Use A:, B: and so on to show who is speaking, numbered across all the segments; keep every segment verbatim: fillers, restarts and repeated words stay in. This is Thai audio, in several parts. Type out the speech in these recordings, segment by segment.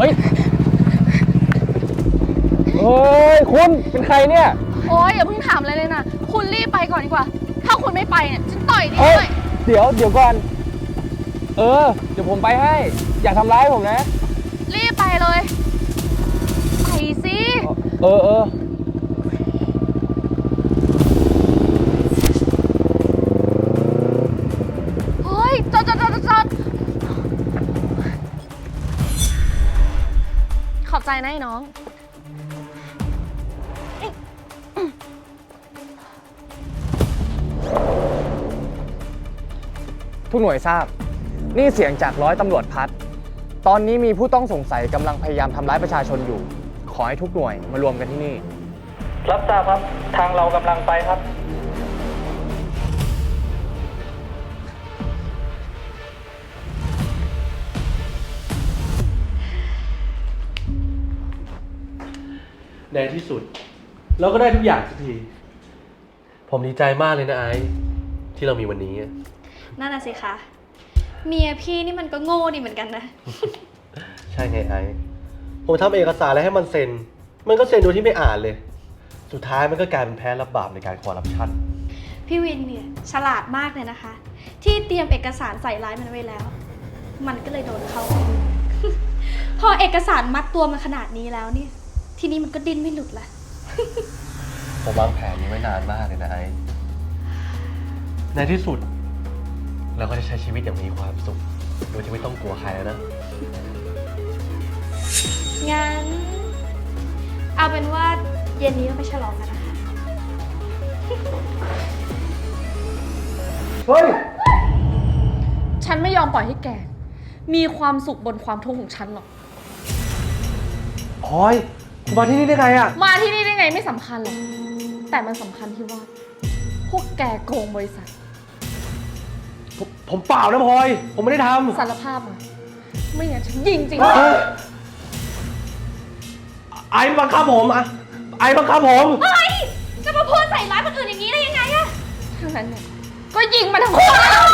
A: ฮ้ยเฮ้ยคุณเป็นใครเนี่ย
B: โอ๊ยอย่าเพิ่งถามอะไรเลยนะคุณรีบไปก่อนดีกว่าถ้าคุณไม่ไปเนี่ยฉันต่อยนี่เลย
A: เดี๋ยวเดี๋ยวก่อนเออเดี๋ยวผมไปให้อย่าทำร้ายผมนะ
B: รีบไปเลยไปสิ
A: เออเออ
B: เฮ้ยจอดจอดจอดจอดขอบใจนะไอ้น้อง
A: ทุกหน่วยทราบนี่เสียงจากร้อยตำรวจพัดตอนนี้มีผู้ต้องสงสัยกำลังพยายามทำร้ายประชาชนอยู่ขอให้ทุกหน่วยมารวมกันที่นี่รับทราบครับทางเรากำลังไปครับ
C: ในที่สุดเราก็ได้ทุกอย่างสักทีผมดีใจมากเลยนะไอ้ที่เรามีวันนี้
D: นั่นน่ะสิคะเมียพี่นี่มันก็โง่ดีเหมือนกันนะ
C: ใช่ไงไอ้ผมทำเอกสารแล้วให้มันเซ็นมันก็เซ็นโดยที่ไม่อ่านเลยสุดท้ายมันก็กลายเป็นแพ้รับบาปในการคอร์รัปชัน
D: พี่วินเนี่ยฉลาดมากเลยนะคะที่เตรียมเอกสารใส่ร้ายมันไว้แล้วมันก็เลยโดนเข้า พอเอกสารมัดตัวมันขนาดนี้แล้วเนี่ยทีนี้มันก็ดิ้นไม่หลุดละ
C: ผมวางแผนนี้ไว้นานมากเลยนะไอ้ในที่สุดเราก็จะใช้ชีวิตอย่างมีความสุขโดยที่ไม่ต้องกลัวใครแล้วนะ
D: งั้นเอาเป็นว่าเย็นนี้เราไปฉลองกันนะคะ
A: เฮ้ย
B: ฉันไม่ยอมปล่อยให้แกมีความสุขบนความทุกข์ของฉันหรอก
C: พลอยคุณมาที่นี่ได้ไงอะ
B: มาที่นี่ได้ไงไม่สำคัญหรอกแต่มันสำคัญที่ว่าพวกแกโกงบริษัท
C: ผมผมเปล่านะพลอยผมไม่ได้ทำ
B: สารภาพมาไม่งั้นฉันยิงจริง
C: ไอ้บังคับผมอะไอ้บังคับผม
D: เฮ้ยจะมาพูดใส่ร้ายคนอื่นอย่างนี้ได้ยังไงอะ
B: ทั้งนั้นเนี่ยก็ยิงมาทั้งคู่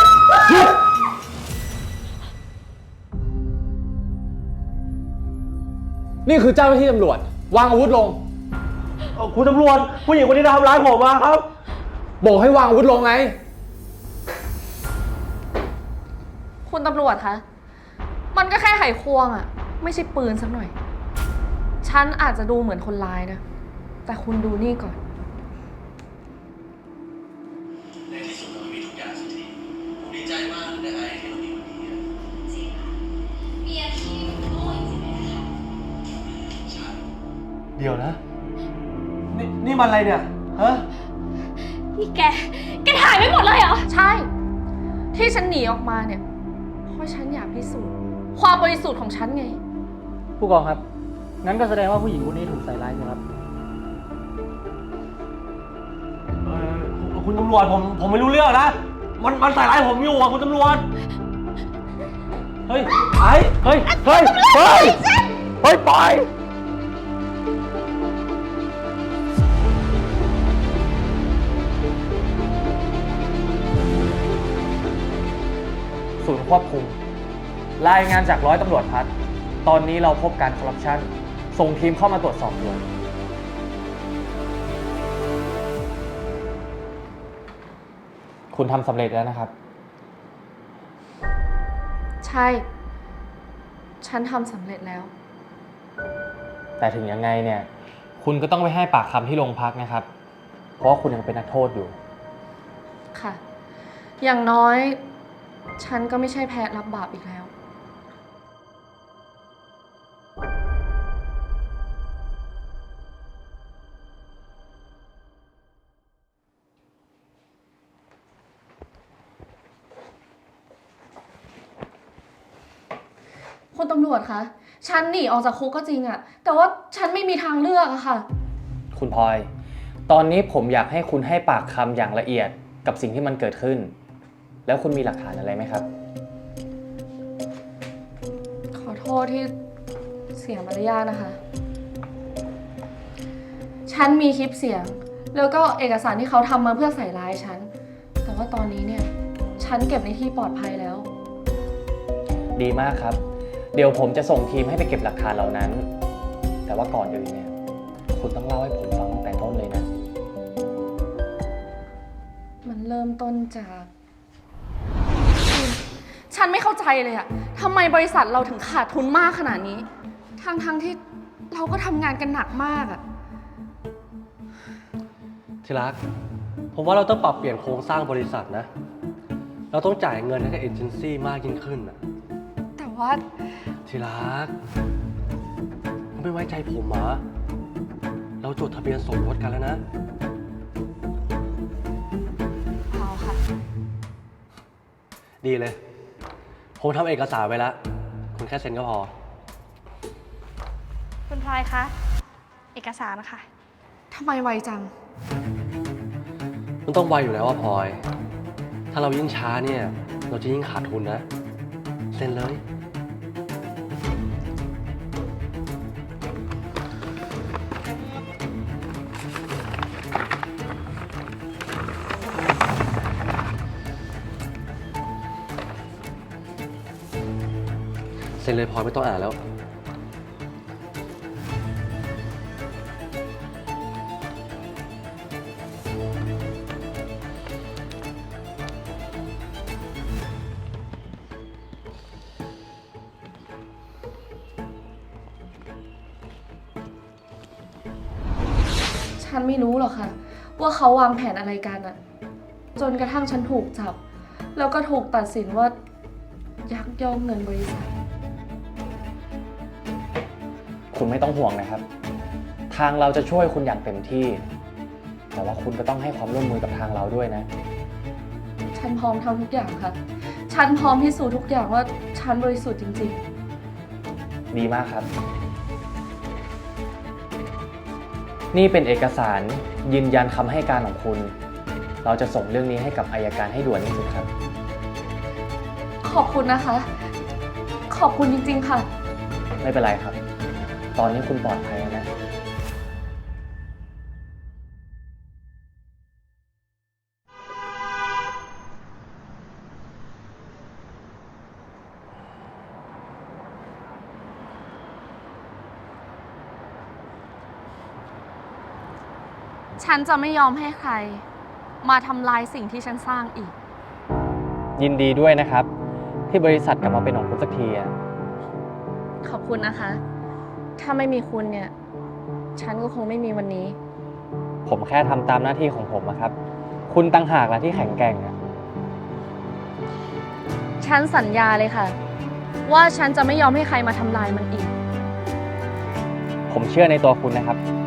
A: นี่คือเจ้าหน้าที่ตำรวจวางอาวุธลง
C: คุณตำรวจผู้หญิงคนนี้ทำร้ายผมมาครับ
A: บอกให้วางอาวุธลงไง
B: คุณตำรวจคะมันก็แค่ไขควงอะไม่ใช่ปืนสักหน่อยฉันอาจจะดูเหมือนคนร้ายนะแต่คุณดูนี่ก่อน
C: ในที่สุดเรามีทุกอย่างสักทีผมดีใจมากเลยนะไอ้ที่เรามีวันนี้
D: จริงค่ะเมียพี่โง่จริงๆเลยค่ะ
C: ใช่เดี๋ยวนะนี่นี่มันอะไรเนี่ยฮะ
D: นี่แกแกถ่ายไม่หมดเลยเหรอ
B: ใช่ที่ฉันหนีออกมาเนี่ยเพราะฉันอยากพิสูจน์ความบริสุทธิ์ของฉันไง
A: ผู้กองครับงั้นก็แสดงว่าผู้หญิงคนนี้ถูกใส่ร้ายใช่ไหมครับ
C: เออคุณตำรวจผมผมไม่รู้เรื่องนะมันมันใส่ร้ายผมอยู่อ่ะคุณตำรวจเฮ้ยไอ้เฮ้ยเฮ้ยเฮ้ยเฮ้ยปล่อย
A: ศูนย์ควบคุมรายงานจากร้อยตำรวจพัดตอนนี้เราพบการคอร์รัปชันส่งทีมเข้ามาตรวจสอบด่วนคุณทำสำเร็จแล้วนะครับ
B: ใช่ฉันทำสำเร็จแล้ว
A: แต่ถึงยังไงเนี่ยคุณก็ต้องไปให้ปากคำที่โรงพักนะครับเพราะว่าคุณยังเป็นนักโทษอยู่
B: ค่ะอย่างน้อยฉันก็ไม่ใช่แพ้รับบาปอีกแล้วคุณตำรวจคะฉันหนีออกจากคุกก็จริงอะแต่ว่าฉันไม่มีทางเลือกอะค่ะ
A: คุณพลอยตอนนี้ผมอยากให้คุณให้ปากคำอย่างละเอียดกับสิ่งที่มันเกิดขึ้นแล้วคุณมีหลักฐานอะไรไหมครับ
B: ขอโทษที่เสียมารยาทนะคะฉันมีคลิปเสียงแล้วก็เอกสารที่เขาทำมาเพื่อใส่ร้ายฉันแต่ว่าตอนนี้เนี่ยฉันเก็บในที่ปลอดภัยแล้ว
A: ดีมากครับเดี๋ยวผมจะส่งทีมให้ไปเก็บหลักฐานเหล่านั้น แต่ว่าก่อนอื่นเนี่ย คุณต้องเล่าให้ผมฟังตั้งแต่ต้นเลยนะ
B: มันเริ่มต้นจากคุณฉันไม่เข้าใจเลยอะทำไมบริษัทเราถึงขาดทุนมากขนาดนี้ ทั้งๆ ทที่เราก็ทำงานกันหนักมากอะ
C: ที่รัก ผมว่าเราต้องปรับเปลี่ยนโครงสร้างบริษัทนะ เราต้องจ่ายเงินให้กับเอเจนซี่มากยิ่งขึ้นนะ
B: แต่ว่า
C: ที่รักคุณไม่ไว้ใจผมเหรอเราจดทะเบียนสมรสกันแล้วนะ
B: เอาค่ะ
C: ดีเลย ผมทำเอกสารไว้แล้ว คุณแค่เซ็นก็พอ
D: คุณพลอยคะ เอกสารนะคะ
B: ทำไมไวจัง
C: มันต้องไวอยู่แล้วว่าพลอย ถ้าเรายิ่งช้าเนี่ย เราจะยิ่งขาดทุนนะ เซ็นเลย เซ็นเลยพลอยไม่ต้องอ่านแล้ว
B: ฉันไม่รู้หรอกค่ะ ว่าเขาวางแผนอะไรกันอะจนกระทั่งฉันถูกจับ แล้วก็ถูกตัดสินว่า ยักยอกเงินบริษัท
A: คุณไม่ต้องห่วงนะครับ ทางเราจะช่วยคุณอย่างเต็มที่ แต่ว่าคุณก็ต้องให้ความร่วมมือกับทางเราด้วยนะ
B: ฉันพร้อมทำทุกอย่างค่ะ ฉันพร้อมพิสูจน์ทุกอย่างว่าฉันบริสุทธิ์จริง
A: ดีมากครับ นี่เป็นเอกสารยืนยันคำให้การของคุณ เราจะส่งเรื่องนี้ให้กับอัยการให้ด่วนที่สุดครับ
B: ๆ ขอบคุณนะคะ ขอบคุณจริงๆค่ะ
A: ไม่เป็นไรครับ ตอนนี้คุณปลอดภัยแล้วนะ
B: ฉันจะไม่ยอมให้ใคร มาทำลายสิ่งที่ฉันสร้างอีก
A: ยินดีด้วยนะครับ ที่บริษัทกลับมาเป็นของคุณสักทีอะ
B: ขอบคุณนะคะ ถ้าไม่มีคุณเนี่ย ฉันก็คงไม่มีวันนี้
A: ผมแค่ทำตามหน้าที่ของผมอะครับ คุณตั้งหากละที่แข็งแกร่งอะ
B: ฉันสัญญาเลยค่ะ ว่าฉันจะไม่ยอมให้ใครมาทำลายมันอีก
A: ผมเชื่อในตัวคุณนะครับ